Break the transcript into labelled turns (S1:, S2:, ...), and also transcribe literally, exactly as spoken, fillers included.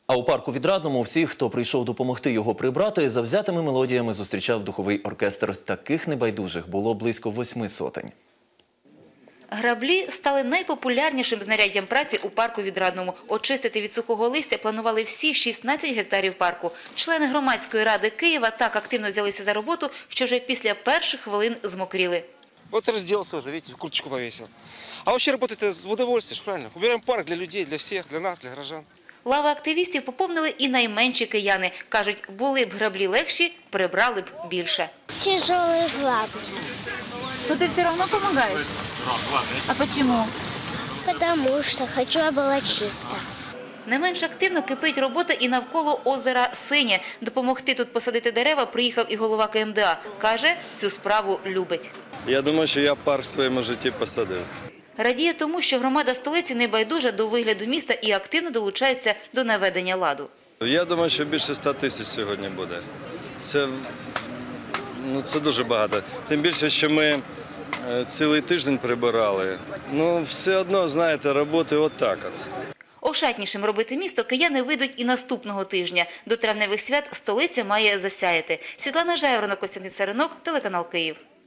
S1: А у парку Відрадному всіх, хто прийшов допомогти його прибрати, завзятими мелодіями зустрічав духовий оркестр. Таких небайдужих було близько восьми сотень.
S2: Граблі стали найпопулярнішим знаряддям праці у парку Відрадному. Очистити від сухого листя планували всі шістнадцять гектарів парку. Члени громадської ради Києва так активно взялися за роботу, що вже після перших хвилин змокріли.
S3: Вот разделся уже, видите, курточку повесил. А вообще работает в удовольствие, правильно? Убираем парк для людей, для всех, для нас, для горожан.
S2: Лави активістів поповнили і найменші кияни. Кажуть, були б граблі легші, прибрали б більше.
S4: Тяжелые грабли.
S5: Но ты все равно помогаешь? А почему?
S4: Потому что хочу, а было чисто.
S2: Не менш активно кипить робота і навколо озера Синє. Допомогти тут посадити дерева приїхав і голова Ка Ем Де А. Каже, цю справу любить.
S6: Я думаю, що я парк в своєму житті посадив.
S2: Радіє тому, що громада столиці не байдужа до вигляду міста і активно долучається до наведення ладу.
S6: Я думаю, що більше ста тисяч сьогодні буде. Це, ну, це дуже багато. Тим більше, що ми цілий тиждень прибирали. Ну, все одно, знаєте, роботи отак от.
S2: Ошатнішим робити місто кияни вийдуть і наступного тижня. До травневих свят столиця має засяяти. Світлана Жайворонок, Костянтин Царинок, телеканал Київ.